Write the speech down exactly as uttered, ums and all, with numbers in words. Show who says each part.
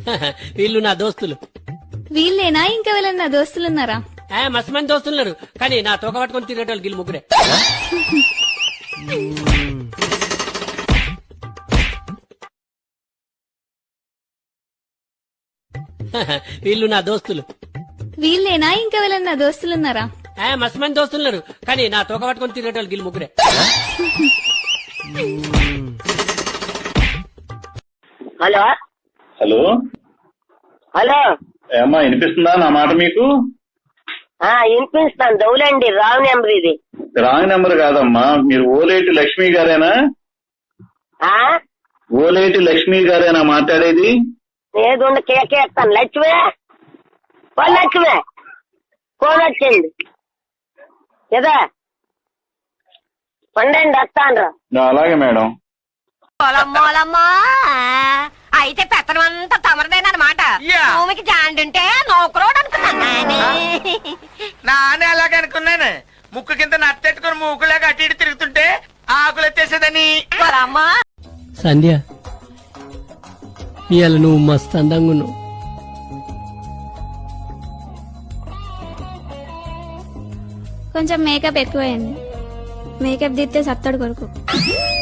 Speaker 1: వీళ్ళు నా దోస్తులు.
Speaker 2: వీళ్ళేనా ఇంకా వీళ్ళని నా దోస్తులున్నారా?
Speaker 1: ఆ, మస్తు మంది దోస్తులున్నారు, కానీ నా తోక పట్టుకొని తిరిగేటోళ్ళు వీళ్ళు ముగ్గురే. వీళ్ళు నా దోస్తులు.
Speaker 2: వీళ్ళేనా ఇంకా వీళ్ళని నా దోస్తులున్నారా?
Speaker 1: ఆ, మస్తు మంది దోస్తులున్నారు, కానీ నా తోక పట్టుకొని తిరిగేటోళ్ళు వీళ్ళు ముగ్గురే.
Speaker 3: హలో
Speaker 4: హలో
Speaker 3: హలో
Speaker 4: ఏమ్మా వినిపిస్తుందా నా మాట మీకు?
Speaker 3: ఆ వినిపిస్తాను. దౌలండి రావు నెంబర్ ఇది.
Speaker 4: రాంగ్ నెంబర్ కాదమ్మా, మీరు ఓలేటి లక్ష్మి గారేనా?
Speaker 3: ఆ
Speaker 4: ఓలేటి లక్ష్మి గారేనా మాట్లాడేది?
Speaker 3: ఏదుండి కేకేస్తాను. లక్ష్మే ఓ లక్ష్మే ఫోన్ వచ్చింది కదా, పండండి వస్తాను.
Speaker 4: అలాగే మేడం.
Speaker 5: పొలమ్మోలమ్మా అయితే పెత్తనం అంతా తమరదేనమాట. భూమికి జాండుంటే నౌకరోడు అనుకున్నాను.
Speaker 6: నానే అలాగే అనుకున్నాను. ముక్కు కింద నట్టెట్టుకుని మూకులాగా అటు ఇటు తిరుగుతుంటే ఆకులు ఎత్తేసేదని.
Speaker 5: పొలమ్మా
Speaker 1: సంధ్య, ఇవాళ నువ్వు మస్తు అందంగా ఉన్నావు.
Speaker 2: కొంచెం మేకప్ ఎక్కువైంది. మేకప్ దిస్తే సత్తడు కొడుకు.